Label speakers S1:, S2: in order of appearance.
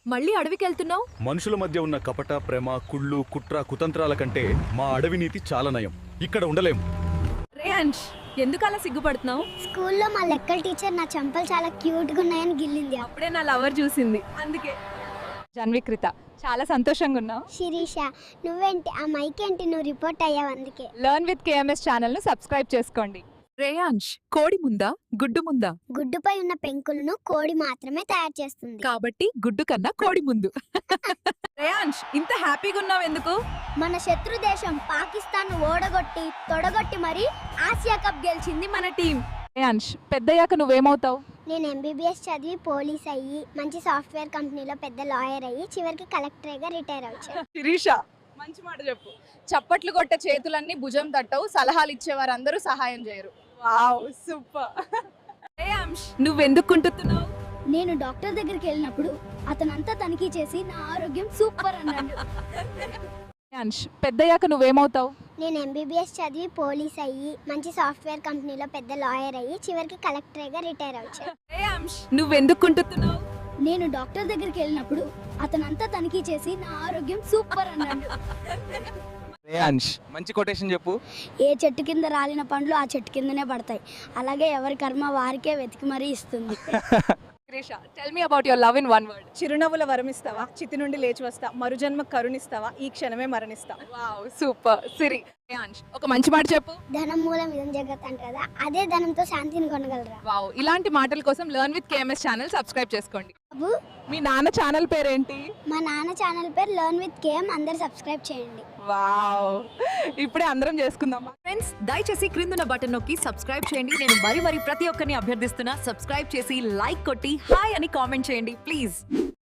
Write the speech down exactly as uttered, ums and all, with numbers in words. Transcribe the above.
S1: మళ్ళీ అడవికి వెళ్తున్నావు?
S2: మనుషుల మధ్య ఉన్న కపట ప్రేమ కుళ్ళు కుట్ర కుతంత్రాల కంటే మా అడవి నీతి చాలా నయం. ఇక్కడ ఉండలేం.
S1: రేయాంష్, ఎందుకు అలా సిగ్గుపడుతున్నావు?
S3: స్కూల్లో మా లెక్కల టీచర్ నా చెంపలు చాలా క్యూట్ గా ఉన్నాయని గిల్లింది.
S1: అప్పుడే నా లవర్ చూసింది, అందుకే.
S4: జన్వికృత, చాలా సంతోషంగా ఉన్నావు.
S3: శిరీష, నువ్వేంటి ఆ మైక్ ఏంటి, నువ్వు రిపోర్ట్ అయ్యావు అందుకే.
S4: లర్న్ విత్ కేఎంఎస్ ఛానల్ ను సబ్స్క్రైబ్ చేసుకోండి.
S1: రేయాంష్, కోడి ముందా గుడ్డు ముందా?
S3: గుడ్డుపై ఉన్న పెంకులను కోడి మాత్రమే తయారు చేస్తుంది.
S1: కాబట్టి గుడ్డు కన్నా కోడి ముందు. రేయాంష్, ఇంత హ్యాపీగా ఉన్నావు ఎందుకు?
S3: మన శత్రు దేశం పాకిస్తాన్ ఓడగొట్టి తొడగొట్టి మరి ఆసియా కప్ గెలిచింది మన టీం.
S4: రేయాంష్, పెద్దయ్యాక నువ్వేమవుతావు?
S3: నేను ఎంబీబీఎస్ చదివి పోలీస్ అయ్యి మంచి సాఫ్ట్వేర్ కంపెనీలో పెద్ద లాయర్ అయ్యి చివరికి కలెక్టర్గా రిటైర్ అవ్వచ్చు.
S4: శిరీష, మంచి మాట చెప్పు. చప్పట్లు కొట్టే చేతులన్నీ భుజం తట్టవు, సలహాలు ఇచ్చేవారు అందరూ సహాయం చేయరు. Wow, super.
S1: రేయాంష్, నువ్వెందుకు కుంటున్నావు?
S3: నేను డాక్టర్ దగ్గరికి వెళ్ళినప్పుడు అతనంతా తనిఖీ చేసి నా ఆరోగ్యం సూపర్ అన్నాడు.
S4: రేయాంష్, పెద్దయ్యాక నువ్వేమవుతావు?
S3: నేను ఎంబీబీఎస్ చదివి పోలీస్ అయ్యి మంచి సాఫ్ట్వేర్ కంపెనీలో పెద్ద లాయర్ అయ్యి చివరికి కలెక్టర్గా రిటైర్ అవ్వచ్చు.
S1: రేయాంష్, నువ్వెందుకు కుంటున్నావు?
S3: నేను డాక్టర్ దగ్గరికి వెళ్ళినప్పుడు అతనంతా తనిఖీ చేసి నా ఆరోగ్యం సూపర్ అన్నాడు.
S5: రేయాంష్, మంచి కొటేషన్ చెప్పు.
S3: ఏ చెట్టు కింద రాలిన పండ్లు ఆ చెట్టు కిందనే పడతాయి, అలాగే ఎవరి కర్మ వారికే వెతికి మరీ ఇస్తుంది.
S4: Sirisha, tell me about your love in one word.
S6: చిరునవ్వుల వరమిస్తావా, చితి నుండి లేచి వస్తా, మరుజన్మ కరుణిస్తావా, ఈ క్షణమే మరణిస్తా.
S4: Wow, super. సిరి. రేయాంష్, ఒక మంచి మాట చెప్పు.
S3: ధనం మూలం ఇదం జగత్ అంట కదా, అదే ధనంతో శాంతిని కొనగలరా.
S4: వావ్, ఇలాంటి మాటల కోసం learn with KMS channel subscribe చేసుకోండి.
S3: బాబు,
S4: మీ నాన్న ఛానల్ పేరేంటి?
S3: మా నాన్న ఛానల్ పేరు లర్న్ విత్ కేఎం, అందరు సబ్స్క్రైబ్ చేయండి.
S4: వావ్, ఇప్పుడే అందరం చేసుకుందాం.
S1: ఫ్రెండ్స్, దయచేసి క్రిందున్న బటన్ నొక్కి సబ్స్క్రైబ్ చేయండి. నేను మరి మరి ప్రతి ఒక్కరిని అభ్యర్థిస్తున్నా, సబ్స్క్రైబ్ చేసి లైక్ కొట్టి హాయ్ అని కామెంట్ చేయండి ప్లీజ్.